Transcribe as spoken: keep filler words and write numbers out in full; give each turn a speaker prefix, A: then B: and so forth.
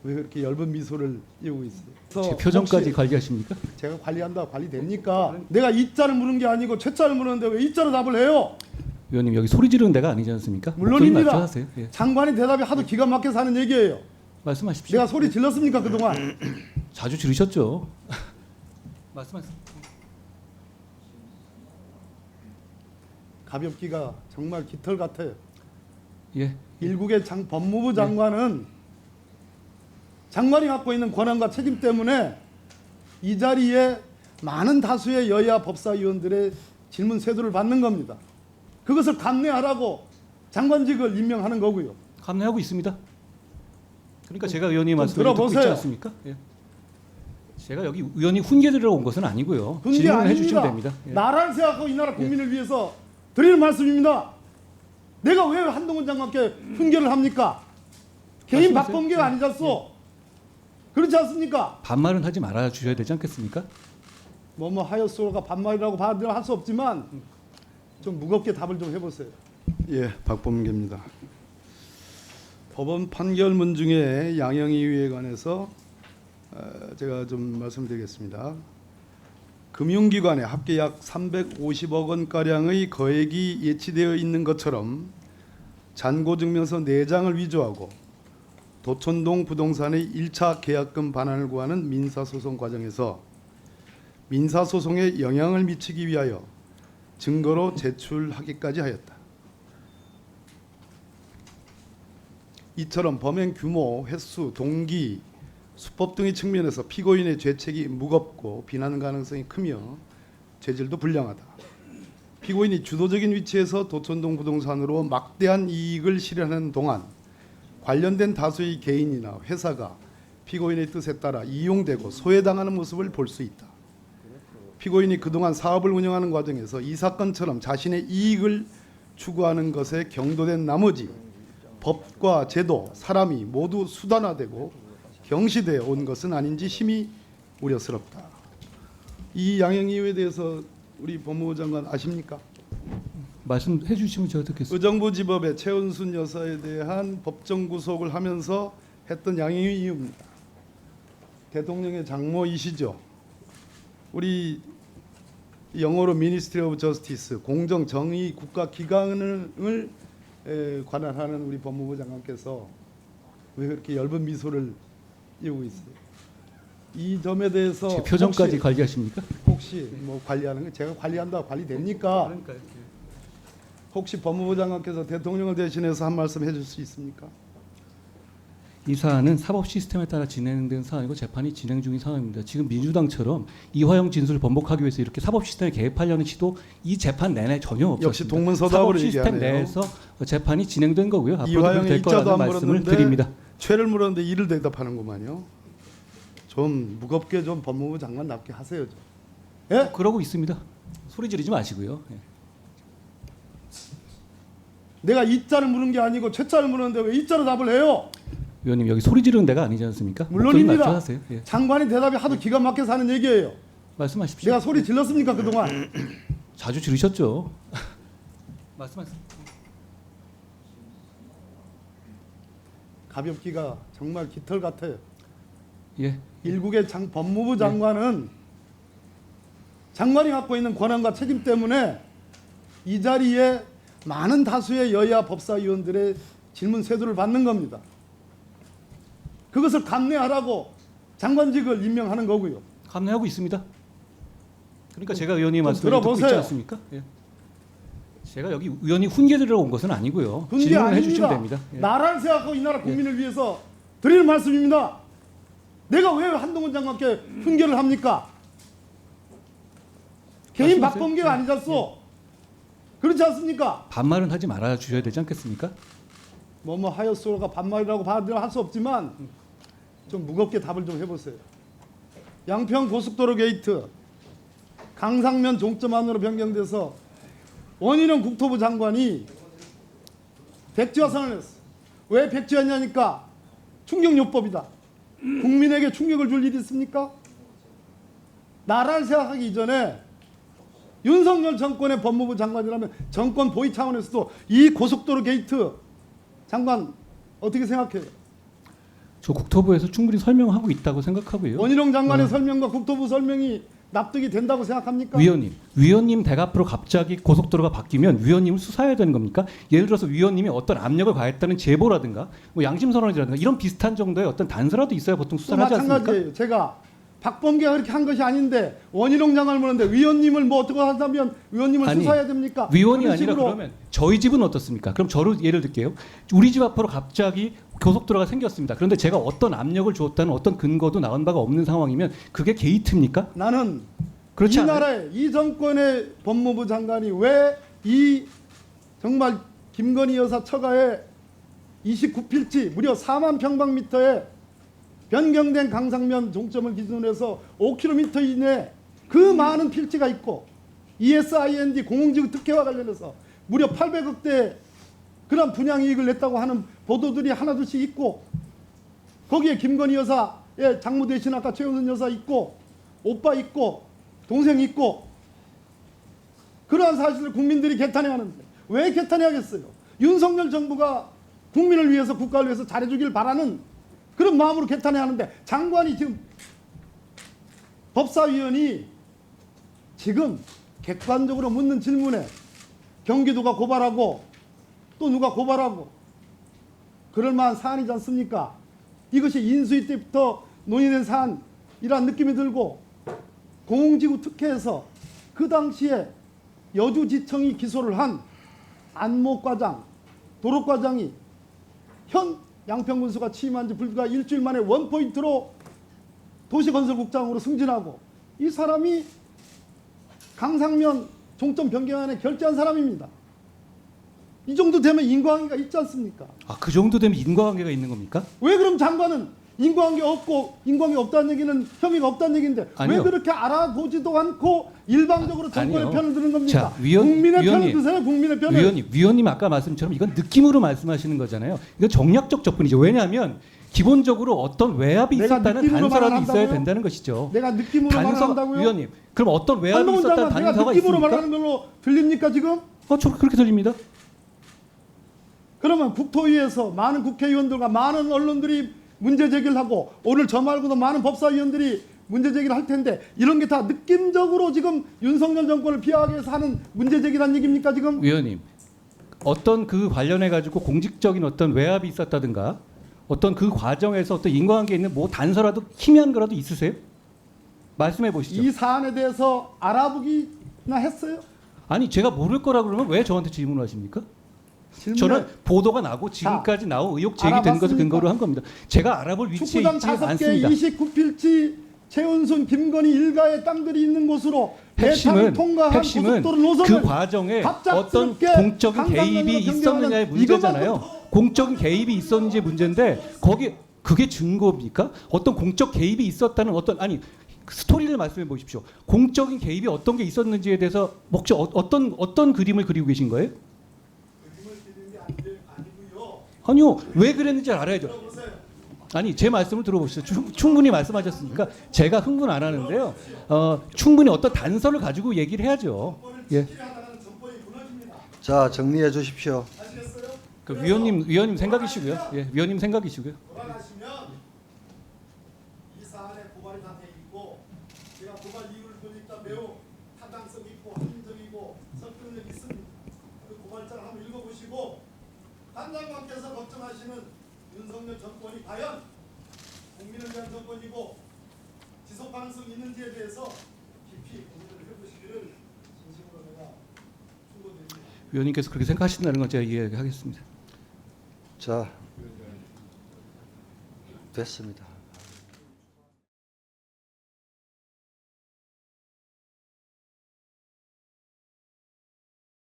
A: 왜 그렇게 얇은 미소를 띄우고 있어요?
B: 제 표정까지 관리하십니까?
A: 제가 관리한다 관리됩니까? 내가 이자를 물은 게 아니고 최자를 물었는데 왜 이자로 답을 해요?
B: 의원님 여기 소리 지르는 데가 아니지 않습니까?
A: 물론입니다.
B: 목소리 낮춰 하세요. 예.
A: 장관의 대답이 하도 기가 막혀서 하는 얘기예요.
B: 말씀하십시오.
A: 내가 소리 질렀습니까 그동안?
B: 자주 지르셨죠. 말씀하세요.
A: 가볍기가 정말 깃털 같아요.
B: 예.
A: 일국의 장, 법무부 장관은 장관이 갖고 있는 권한과 책임 때문에 이 자리에 많은 다수의 여야 법사위원들의 질문 세도를 받는 겁니다. 그것을 감내하라고 장관직을 임명하는 거고요.
B: 감내하고 있습니다. 그러니까 제가 의원님 말씀을 듣고
A: 들어보세요.
B: 있지 않습니까? 예. 제가 여기 의원이 훈계 들으러 온 것은 아니고요.
A: 훈계
B: 질문을
A: 아닙니다.
B: 해주시면 됩니다. 예.
A: 나라를 생각하고 이 나라 국민을 위해서 드리는 말씀입니다. 내가 왜 한동훈 장관께 훈계를 합니까? 개인
B: 말씀하세요.
A: 박범계가
B: 예.
A: 아니잖소. 그렇지 않습니까?
B: 반말은 하지 말아 주셔야 되지 않겠습니까?
A: 뭐뭐 하였소가 반말이라고 받으려 할 수 없지만 좀 무겁게 답을 좀 해보세요. 예, 박범계입니다. 법원 판결문 중에 양형이유에 관해서 제가 좀 말씀드리겠습니다. 금융기관에 합계 약 삼백오십억 원가량의 거액이 예치되어 있는 것처럼 잔고증명서 네 장을 위조하고 도천동 부동산의 일 차 계약금 반환을 구하는 민사소송 과정에서 민사소송에 영향을 미치기 위하여 증거로 제출하기까지 하였다. 이처럼 범행 규모, 횟수, 동기, 수법 등의 측면에서 피고인의 죄책이 무겁고 비난 가능성이 크며 죄질도 불량하다. 피고인이 주도적인 위치에서 도천동 부동산으로 막대한 이익을 실현하는 동안 관련된 다수의 개인이나 회사가 피고인의 뜻에 따라 이용되고 소외당하는 모습을 볼 수 있다. 피고인이 그동안 사업을 운영하는 과정에서 이 사건처럼 자신의 이익을 추구하는 것에 경도된 나머지 법과 제도, 사람이 모두 수단화되고 경시되어 온 것은 아닌지 심히 우려스럽다. 이 양형 이유에 대해서 우리 법무부 장관 아십니까?
B: 말씀해 주시면 제가 듣겠습니다.
A: 의정부 지법의 최은순 여사에 대한 법정 구속을 하면서 했던 양형 이유입니다. 대통령의 장모이시죠. 우리 영어로 Ministry of Justice, 공정 정의 국가 기관을 에, 관할하는 우리 법무부 장관께서 왜 그렇게 얇은 미소를 띄우고 있어요? 이 점에 대해서
B: 제 표정까지
A: 혹시,
B: 관리하십니까?
A: 혹시 뭐 관리하는 거 제가 관리한다 관리됩니까?
B: 그러니까요.
A: 혹시 법무부 장관께서 대통령을 대신해서 한 말씀 해줄 수 있습니까?
B: 이 사안은 사법 시스템에 따라 진행된 사안이고 재판이 진행 중인 상황입니다. 지금 민주당처럼 이화영 진술을 번복하기 위해서 이렇게 사법 시스템에 개입하려는 시도 이 재판 내내 전혀 없었습니다.
A: 역시 동문서답으로
B: 사법 시스템
A: 얘기하네요.
B: 내에서 재판이 진행된 거고요. 앞으로도
A: 이화영의
B: 될
A: 입자도
B: 거라는
A: 안
B: 말씀을
A: 물었는데
B: 드립니다.
A: 죄를 물었는데 이를 대답하는구만요. 좀 무겁게 좀 법무부 장관답게 하세요. 좀. 예?
B: 그러고 있습니다. 소리 지르지 마시고요. 예.
A: 내가 이자를 물은 게 아니고 최자를 물었는데 왜 이자로 답을 해요?
B: 의원님 여기 소리 지르는 데가 아니지 않습니까? 목소리
A: 물론입니다.
B: 낮춰 하세요. 예.
A: 장관의 대답이 하도 기가 막혀서 하는 얘기예요.
B: 말씀하십시오.
A: 내가 소리 질렀습니까 그동안?
B: 자주 지르셨죠. 말씀하세요.
A: 가볍기가 정말 깃털 같아요.
B: 예.
A: 일국의 장, 법무부 장관은 장관이 갖고 있는 권한과 책임 때문에 이 자리에 많은 다수의 여야 법사위원들의 질문 세도를 받는 겁니다. 그것을 감내하라고 장관직을 임명하는 거고요.
B: 감내하고 있습니다. 그러니까 제가 의원님
A: 좀
B: 말씀을 듣고 있지
A: 들어보세요.
B: 않습니까? 예. 제가 여기 의원이 훈계 들으러 온 것은 아니고요.
A: 훈계
B: 질문을
A: 아닙니다.
B: 해주시면 됩니다. 예.
A: 나라를 생각하고 이 나라 국민을 위해서 드리는 말씀입니다. 내가 왜 한동훈 장관께 훈계를 합니까? 개인
B: 말씀하세요.
A: 박범계가
B: 예.
A: 아니잖소. 그렇지 않습니까?
B: 반말은 하지 말아 주셔야 되지 않겠습니까?
A: 뭐뭐 하였소가 반말이라고 받으려 할 수 없지만 좀 무겁게 답을 좀 해보세요. 양평 고속도로 게이트 강상면 종점 안으로 변경돼서 원희룡 국토부 장관이 백지화 선언을 했어. 왜 백지화냐니까 충격요법이다. 국민에게 충격을 줄 일이 있습니까? 나라를 생각하기 이전에 윤석열 정권의 법무부 장관이라면 정권 보위 차원에서도 이 고속도로 게이트 장관 어떻게 생각해요?
B: 저 국토부에서 충분히 설명하고 있다고 생각하고요.
A: 원희룡 장관의
B: 어.
A: 설명과 국토부 설명이 납득이 된다고 생각합니까?
B: 위원님, 위원님 댁 앞으로 갑자기 고속도로가 바뀌면 위원님을 수사해야 되는 겁니까? 예를 들어서 위원님이 어떤 압력을 가했다는 제보라든가 뭐 양심선언이라든가 이런 비슷한 정도의 어떤 단서라도 있어야 보통
A: 또
B: 수사를 하지 않습니까?
A: 마찬가지예요. 제가 박범계가 그렇게 한 것이 아닌데 원희룡 장관을 물었는데 위원님을 뭐 어떻게 한다면 위원님을
B: 아니,
A: 수사해야 됩니까?
B: 위원이
A: 그런
B: 아니라
A: 식으로
B: 그러면 저희 집은 어떻습니까? 그럼 저를 예를 들게요. 우리 집 앞으로 갑자기 고속도로가 생겼습니다. 그런데 제가 어떤 압력을 주었다는 어떤 근거도 나온 바가 없는 상황이면 그게 게이트입니까?
A: 나는
B: 그렇지
A: 이
B: 않아요?
A: 나라의 이 정권의 법무부 장관이 왜 이 정말 김건희 여사 처가에 이십구 필지 무려 사만 평방미터에 변경된 강상면 종점을 기준으로 해서 오 킬로미터 이내 그 많은 필지가 있고 이에스아이엔디 공공지구 특혜와 관련해서 무려 팔백억 대 그런 분양 이익을 냈다고 하는 보도들이 하나둘씩 있고 거기에 김건희 여사의 장모 대신 아까 최은순 여사 있고 오빠 있고 동생 있고 그러한 사실을 국민들이 개탄해야 하는데 왜 개탄해야겠어요? 윤석열 정부가 국민을 위해서 국가를 위해서 잘해주길 바라는 그런 마음으로 개탄해야 하는데 장관이 지금 법사위원이 지금 객관적으로 묻는 질문에 경기도가 고발하고 또 누가 고발하고 그럴 만한 사안이지 않습니까? 이것이 인수위 때부터 논의된 사안이라는 느낌이 들고 공공지구 특혜에서 그 당시에 여주지청이 기소를 한 안목과장, 도로과장이 현 양평군수가 취임한 지 불과 일주일 만에 원포인트로 도시건설국장으로 승진하고 이 사람이 강상면 종점 변경안에 결재한 사람입니다. 이 정도 되면 인과관계가 있지 않습니까?
B: 아, 그 정도 되면 인과관계가 있는 겁니까?
A: 왜 그럼 장관은 인과관계 없고 인과관계 없다는 얘기는 혐의가 없다는 얘기인데
B: 아니요.
A: 왜 그렇게 알아보지도 않고 일방적으로 정권의
B: 아니요.
A: 편을 드는 겁니까?
B: 자, 위원-
A: 국민의
B: 위원님.
A: 편을 드세요. 국민의 편을.
B: 위원님, 위원님 아까 말씀처럼 이건 느낌으로 말씀하시는 거잖아요. 이건 정략적 접근이죠. 왜냐하면 기본적으로 어떤 외압이
A: 내가
B: 있었다는
A: 느낌으로
B: 단서라도
A: 말을
B: 있어야
A: 한다고요?
B: 된다는 것이죠.
A: 내가 느낌으로 말을
B: 단서,
A: 한다고요?
B: 위원님, 그럼 어떤 외압이
A: 한동훈
B: 있었다는
A: 장관 내가
B: 단서가
A: 느낌으로
B: 있습니까?
A: 말하는 걸로 들립니까 지금?
B: 어, 저 그렇게 들립니다.
A: 그러면 국토위에서 많은 국회의원들과 많은 언론들이 문제 제기를 하고 오늘 저 말고도 많은 법사위원들이 문제 제기를 할 텐데 이런 게 다 느낌적으로 지금 윤석열 정권을 비하하기 위해서 하는 문제 제기란 얘기입니까 지금?
B: 위원님, 어떤 그 관련해 가지고 공직적인 어떤 외압이 있었다든가 어떤 그 과정에서 어떤 인과관계 있는 뭐 단서라도 희미한 거라도 있으세요? 말씀해 보시죠.
A: 이 사안에 대해서 알아보기나 했어요?
B: 아니 제가 모를 거라 그러면 왜 저한테 질문을 하십니까?
A: 질문에
B: 저는 보도가 나고 지금까지 나온 의혹 제기된 것을
A: 알아봤습니까?
B: 근거로 한 겁니다. 제가 알아볼 위치에
A: 축구장
B: 있지
A: 다섯 개
B: 않습니다.
A: 이십구 필지 최은순 김건희 일가의 땅들이 있는 곳으로
B: 핵심은
A: 대탕을 통과한
B: 핵심은
A: 고속도로 노선을
B: 그 과정에 어떤
A: 갑작스럽게
B: 공적인
A: 강강면으로
B: 개입이 있었느냐의
A: 변경하는
B: 문제잖아요.
A: 이것만
B: 공적인 개입이 있었는지 문제인데 거기 그게 증거입니까? 어떤 공적 개입이 있었다는 어떤 아니 스토리를 말씀해 보십시오. 공적인 개입이 어떤 게 있었는지에 대해서 혹시 어, 어떤 어떤 그림을 그리고 계신 거예요? 아니요, 왜 그랬는지 알아야죠. 아니 제 말씀을 들어보시죠. 충, 충분히 말씀하셨으니까 제가 흥분 안 하는데요. 어, 충분히 어떤 단서를 가지고 얘기를 해야죠. 예.
C: 자, 정리해 주십시오.
B: 그 위원님 위원님 생각이시고요. 예, 위원님 생각이시고요.
A: 돌아가시면 이 사안에 고발이 다 돼 있고 제가 고발 이유를 보니까 매우 타당성 있고 합리적이고 설득력 있습니다. 그 고발장을 한번 읽어보시고 한 장관께서 걱정하시는 윤석열 정권이 과연 국민을 위한 정권이고 지속 가능성이 있는지에 대해서 깊이 고민을 해보시기를 진심으로 내가 충고드립니다.
B: 위원님께서 그렇게 생각하신다는 건 제가 이해하겠습니다.
C: 자, 됐습니다.